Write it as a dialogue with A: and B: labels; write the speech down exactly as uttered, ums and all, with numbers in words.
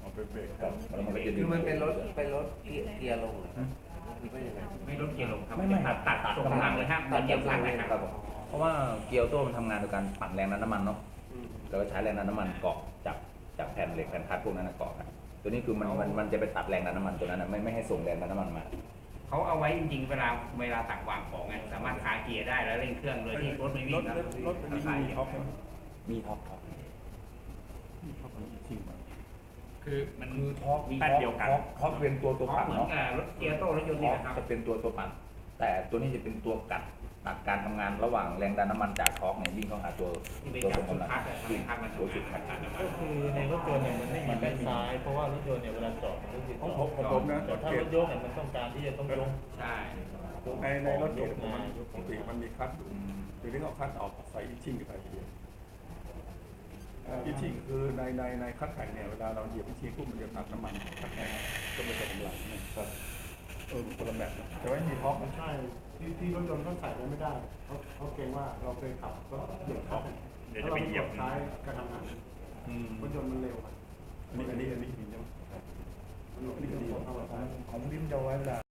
A: เอาเป็นเบรก
B: ครับแล้วมันก็จะดึ
C: คื
B: ง
C: อมันเป็นรถเป็นรถเกียร์ลงหรือว่ายังไง
D: ไม่ลดเกียร์ลงครับ
B: ไม่ไม่
D: ตัดตัดตัดตรงกำลังเลยครับมันเหยียบพลังเลย
B: ค
D: ค
B: รั
D: รั
B: บบ เพราะว่าเกียร์ออโต้มันทำงานโดยการปั่นแรงดันน้ำมันเนาะแล้วก็ใช้แรงดันน้ำมันเกาะจับจับแผ่นเหล็กแผ่นคัดพวกนั้นเกาะกันตัวนี้คือมันมันมันจะไปตัดแรงดันน้ำมันตัวนั้นไม่ไม่ให้ส่งแรงดันน้ำมันมา
D: เขาเอาไว้จริงๆเวลาเวลาตักวางของไงสามารถคาเกียร์ได้แล้วเร่งเครื่องโดยที่รถไม่วิ่
A: รง ถ
D: ครับ
A: รถอันนี้มีท็อปไหม
B: มีท็อปท็อป
A: มีท็อปอันนี้จริงไหม
D: คือมัน
B: คือท็อป
D: มี
B: ท็อ
D: แป๊
B: ป
D: บเดียวกัน
B: ท็อปท็อปเป็นตัวตัว
D: ท็อป
B: ปั่น
D: เหมือน
B: เนาะ
D: กับรถเกียร์โต้รถยนต์
B: ท็
D: นี่
B: อป
D: นะครับ
B: จะเป็นตัวตัวปั่นแต่ตัวนี้จะเป็นตัวกัดตัดการทำงานระหว่างแรงดันน้ำมันจากท็อปเนี่ยวิ่งเข้าหาตัว
D: ที่ไป
B: ตัว
D: จั
B: ต
D: บ
B: รง
D: จุด
B: กำลัง
D: คัดอะ
B: วิ่ง
D: คัดมัน
B: ตัวจุดคัด
E: ก็คือในรถยนต์เนี่ยมันไม่มีแบ็คซ้ายเพราะว่ารถยนต์เนี่ยเวลาจอดมันก็คือ
A: ข
E: จ
A: อ
E: อง ด
A: ผมของผมนะ
E: แต่ถ้ารถยกเนี่ยมันต้องการที่จะต้องยก
D: ใช่
A: ในในรถเก๋งมันปกติมันมีคัทอยู่ทีนี้เขาคัทออกใส่อีชิ่งไปทีเดียวอีชิ่งคือในในในคัทแข่งเนี่ยเวลาเราเหยียบอีชิ่งปุ๊บมันจะตัดน้ำมันคัทแข่งก็ไม่ใช่กำลังนะครับเออคนละแบบนะแต่ว่ามีท็อปมัน
F: ใช่ที่ที่รถยนต์เขาใส่ไว้ไม่ได้เขาเขาเกรงว่าเราเคยขับก็เหยียบเขา
A: เดี๋ยวจะไปเหยียบ
F: ท้ายกระทำงาน
A: อืม
F: รถยนต์มันเร็วอะ
A: อันนี้อันนี้อันนี้มีใช่ไหม
F: มันหลบหนีของเขาแบบ
B: ของดิมจะไว้เวลา